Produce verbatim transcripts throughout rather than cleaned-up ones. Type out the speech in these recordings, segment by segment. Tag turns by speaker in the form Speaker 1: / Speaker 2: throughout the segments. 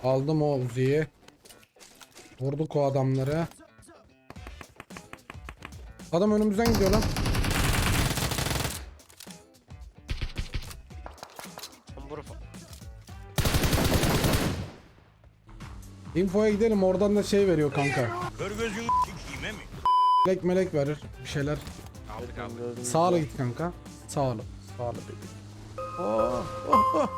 Speaker 1: Aldım o Uzi'yi. Vurduk o adamları. Adam önümüzden gidiyor lan. Info'ya gidelim, oradan da şey veriyor kanka.
Speaker 2: Kör gözünü s**eyim mi?
Speaker 1: Melek melek verir bir şeyler.
Speaker 3: Aldık aldık.
Speaker 1: Sağla git kanka. Sağla. Sağla bebeğim. Oh, oh, oh.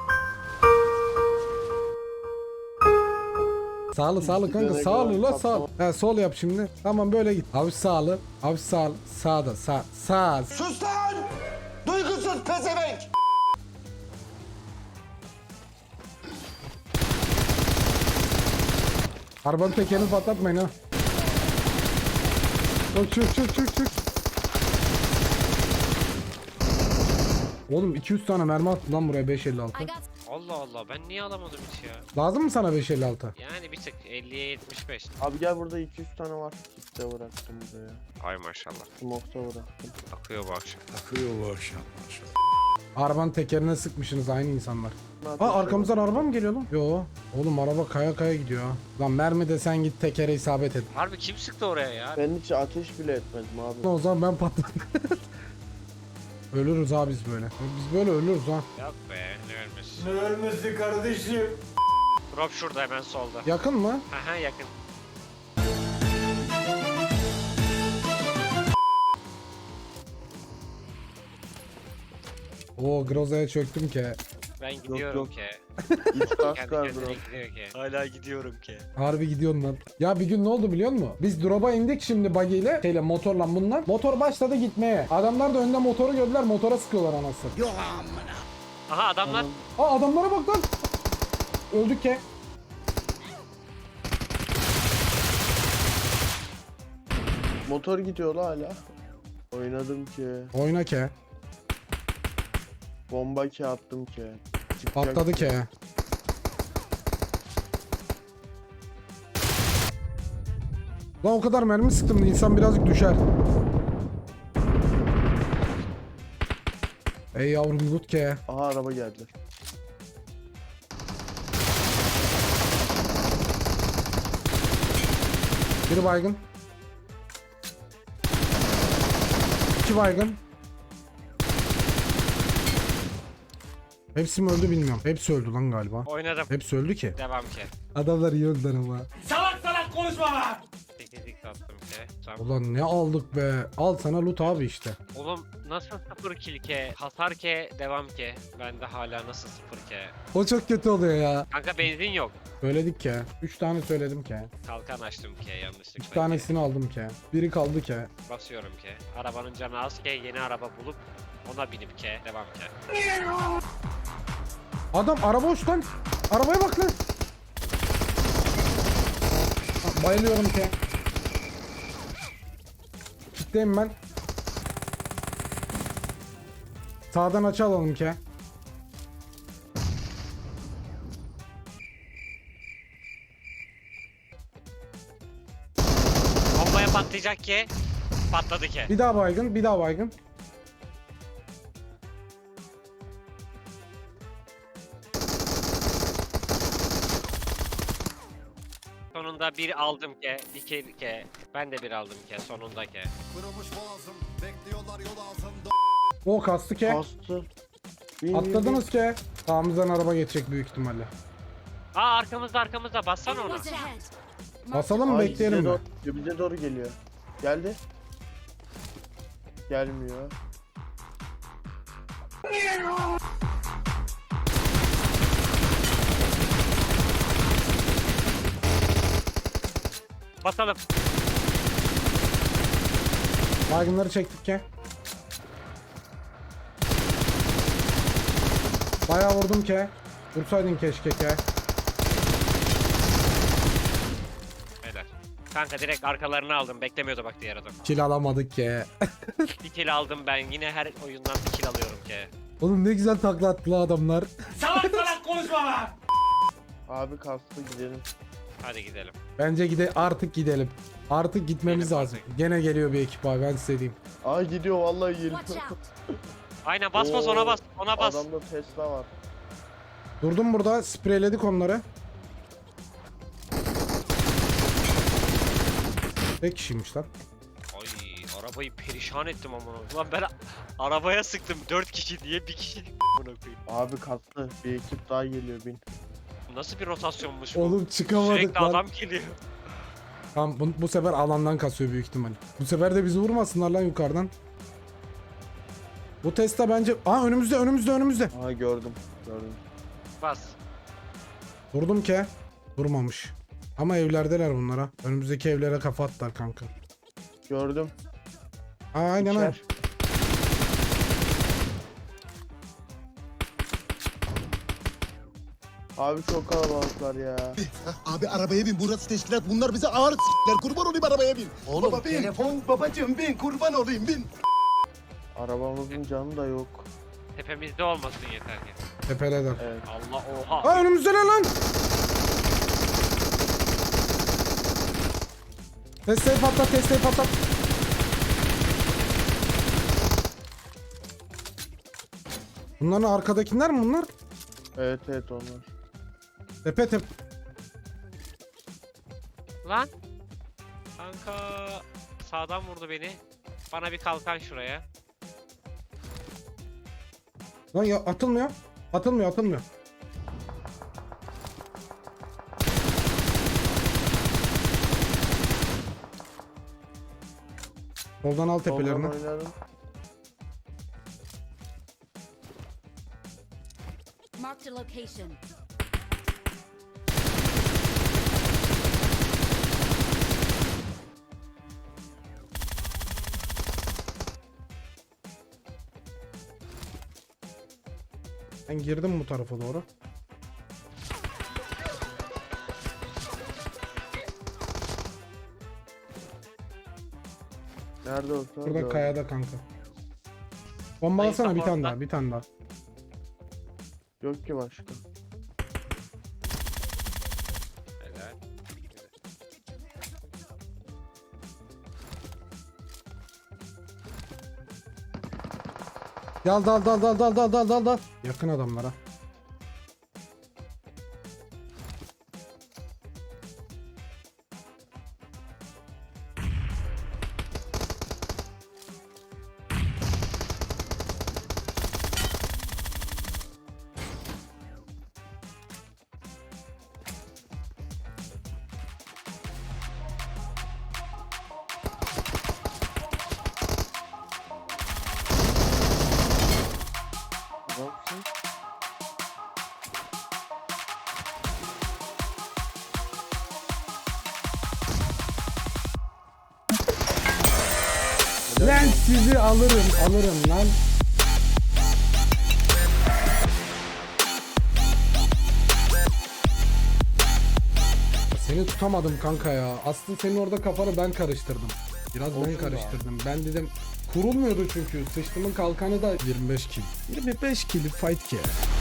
Speaker 1: Sağlı sağlı kanka, sağlı la sağ. He, sol yap şimdi. Tamam böyle git. Abi sağlı. Abi sağ. Sağda sağ. Sağ.
Speaker 4: Sus lan! Duygusuz pezevenk!
Speaker 1: Arabanın tekerini patlatmayın ha. Çık çık çık çık çık. Oğlum iki yüz tane mermi attı lan buraya beş elli altı.
Speaker 3: Allah Allah, ben niye alamadım hiç ya?
Speaker 1: Lazım mı sana beş elli altı?
Speaker 3: Yani bir tık elliye yetmiş beş.
Speaker 5: Abi gel, burada iki yüz tane var. Kitle bıraktım buraya.
Speaker 3: Ay maşallah.
Speaker 5: Smoke'ta bıraktım.
Speaker 3: Akıyor bu akşam.
Speaker 2: Akıyor bu akşam.
Speaker 1: Arabanın tekerine sıkmışsınız aynı insanlar.
Speaker 5: Zaten
Speaker 1: Aa, arkamızdan araba mı geliyor lan? Yo. Oğlum araba kaya kaya gidiyor ha. Lan mermi de sen git tekere isabet et.
Speaker 3: Harbi kim sıktı oraya ya?
Speaker 5: Ben hiç ateş bile etmedim abi.
Speaker 1: O zaman ben patladım. Ölürüz ha biz böyle. Biz böyle ölürüz ha.
Speaker 3: Yok be, ne ölmüş.
Speaker 4: Ne ölmesi kardeşim?
Speaker 3: Drop şurada hemen solda.
Speaker 1: Yakın mı?
Speaker 3: Haha yakın.
Speaker 1: Oo, Groza'ya çöktüm ki.
Speaker 3: Ben gidiyorum
Speaker 5: yok.
Speaker 3: ki.
Speaker 5: İç kask
Speaker 3: Kendi
Speaker 5: var
Speaker 3: kendine
Speaker 5: bro.
Speaker 3: gidiyor ki. Hala gidiyorum ki.
Speaker 1: Harbi gidiyorsun lan. Ya bir gün ne oldu biliyor musun? Biz drop'a indik şimdi buggy ile, şeyle, motorla bunlar. Motor başladı gitmeye. Adamlar da önde motoru gördüler, motora sıkıyorlar anasını. Yok.
Speaker 3: Aha adamlar.
Speaker 1: Aa, adamlara bak lan. Öldük ki.
Speaker 5: Motor gidiyor la hala. Oynadım ki.
Speaker 1: Oyna ke.
Speaker 5: Bomba ki attım ki. Çıkacak
Speaker 1: Patladı
Speaker 5: ki.
Speaker 1: ke. Lan o kadar mermi sıktım da insan birazcık düşer. Ey yavrum loot ke.
Speaker 5: Aha araba geldi.
Speaker 1: Biri baygın. İki baygın. Hepsi mi öldü bilmiyorum. Hepsi öldü lan galiba.
Speaker 3: Oynadım.
Speaker 1: Hepsi öldü ki.
Speaker 3: Devam ki.
Speaker 1: Adamlar iyi öldüler ama.
Speaker 4: Salak salak konuşma lan!
Speaker 3: Teknik attım ki. Tamam.
Speaker 1: Ulan ne aldık be. Al sana loot abi işte.
Speaker 3: Oğlum nasıl sıfır kill ke? Hasar ke, devam ke. Bende hala nasıl sıfır ke?
Speaker 1: O çok kötü oluyor ya.
Speaker 3: Kanka benzin yok.
Speaker 1: Söyledik ki. Üç tane söyledim ki.
Speaker 3: Kalkan açtım ke yanlışlıkla.
Speaker 1: Üç
Speaker 3: ke.
Speaker 1: tanesini aldım ki. Biri kaldı ki.
Speaker 3: Basıyorum ke. Arabanın canı az ke. Yeni araba bulup ona binip ke. Devam ke.
Speaker 1: Adam araba uç lan. Arabaya bak lan. Ha, bayılıyorum ki. Kitleyim ben. Sağdan açı alalım ki.
Speaker 3: Bombaya patlayacak ke. Patladı ke.
Speaker 1: Bir daha baygın, bir daha baygın.
Speaker 3: Sonunda bir aldım ke. İki ke. Ben de bir aldım ke. Sonunda ke.
Speaker 6: Kırılmış boğazım, bekliyorlar yol altında.
Speaker 1: O kastı ki.
Speaker 5: Bastı. Bin, bin,
Speaker 1: Atladınız ki. Sağımızdan araba geçecek büyük ihtimalle.
Speaker 3: Aa arkamızda arkamızda bassana ona.
Speaker 1: Basalım
Speaker 5: bin.
Speaker 1: mı,
Speaker 5: Ay,
Speaker 1: bekleyelim
Speaker 5: bize
Speaker 1: mi?
Speaker 5: doğru, bize doğru geliyor. Geldi. Gelmiyor.
Speaker 3: Basalım.
Speaker 1: Baygınları çektik ki. Bayağı vurdum ki. Vursaydın keşke ki.
Speaker 3: Beyler. Kanka direkt arkalarını aldım. Beklemiyordu bak diğer adam.
Speaker 1: Kill alamadık ki.
Speaker 3: Bir kill aldım ben. Yine her oyundan bir kill alıyorum ki.
Speaker 1: Oğlum ne güzel takla attılar adamlar.
Speaker 4: Salak salak konuşma lan!
Speaker 5: Abi kastı, gidelim.
Speaker 3: Hadi gidelim.
Speaker 1: Bence gide artık gidelim. Artık gitmemiz
Speaker 3: Gidelim
Speaker 1: lazım.
Speaker 3: artık.
Speaker 1: Gene geliyor bir ekip abi, ben size diyeyim.
Speaker 5: Aa gidiyor vallahi geliyor.
Speaker 3: Aynen bas bas
Speaker 5: Oo,
Speaker 3: ona bas. Ona bas.
Speaker 5: Adamda Tesla var.
Speaker 1: Durdum burada, spreyledik onları. Tek kişiymiş lan.
Speaker 3: Ay arabayı perişan ettim amına. Ulan ben arabaya sıktım dört kişi diye bir kişi amına koyayım.
Speaker 5: Abi katlı. Bir ekip daha geliyor bin.
Speaker 3: Nasıl bir rotasyonmuş bu?
Speaker 1: Oğlum çıkamadık
Speaker 3: Sürekli
Speaker 1: lan.
Speaker 3: adam geliyor.
Speaker 1: Tamam bu, bu sefer alandan kasıyor büyük ihtimal. Bu sefer de bizi vurmasınlar lan yukarıdan. Bu Tesla bence... Aa önümüzde önümüzde önümüzde.
Speaker 5: Aha gördüm. Gördüm.
Speaker 3: Bas.
Speaker 1: Vurdum ki. Vurmamış. Ama evlerdeler bunlara. Önümüzdeki evlere kafa attılar kanka.
Speaker 5: Gördüm.
Speaker 1: Aa aynen aynen.
Speaker 5: İçer. Abi çok kalabalıklar ya.
Speaker 6: Abi arabaya bin, burası teşkilat, bunlar bize ağır s**ler, kurban olayım arabaya bin. Oğlum Baba, bin. Telefon babacığım bin, kurban olayım bin.
Speaker 5: Arabamızın canı da yok.
Speaker 3: Tepemizde olmasın yeter ki.
Speaker 1: Tepedeler.
Speaker 5: Evet.
Speaker 3: Allah oha.
Speaker 1: Aa önümüzdeler lan. Tesla'yı patlat, Tesla'yı patlat. Bunların arkadakiler mi bunlar?
Speaker 5: Evet evet onlar.
Speaker 1: Tepe tepe.
Speaker 3: Lan. Kanka sağdan vurdu beni. Bana bir kalkan şuraya.
Speaker 1: Lan ya atılmıyor. Atılmıyor, atılmıyor. Soldan al tepelerini.
Speaker 5: Soldan oynadım.
Speaker 7: Marked a location.
Speaker 1: Ben girdim bu tarafa doğru.
Speaker 5: Nerede olsa
Speaker 1: Burada
Speaker 5: gördüm.
Speaker 1: kayada kanka. Bombalasana bir tane
Speaker 3: support'ta.
Speaker 1: daha, bir tane daha.
Speaker 5: Yok ki başka.
Speaker 3: Helal.
Speaker 1: Dal dal dal dal dal dal dal dal dal. Yakın adamlara.
Speaker 5: Adamsın.
Speaker 1: Lan sizi alırım, alırım lan. Seni tutamadım kanka ya. Aslında senin orada kafanı ben karıştırdım. Biraz ben
Speaker 5: Olsun be
Speaker 1: karıştırdım. Ben dedim kurulmuyordu çünkü. Sıçtımın kalkanı da yirmi beş kill. yirmi beş kill fight ki.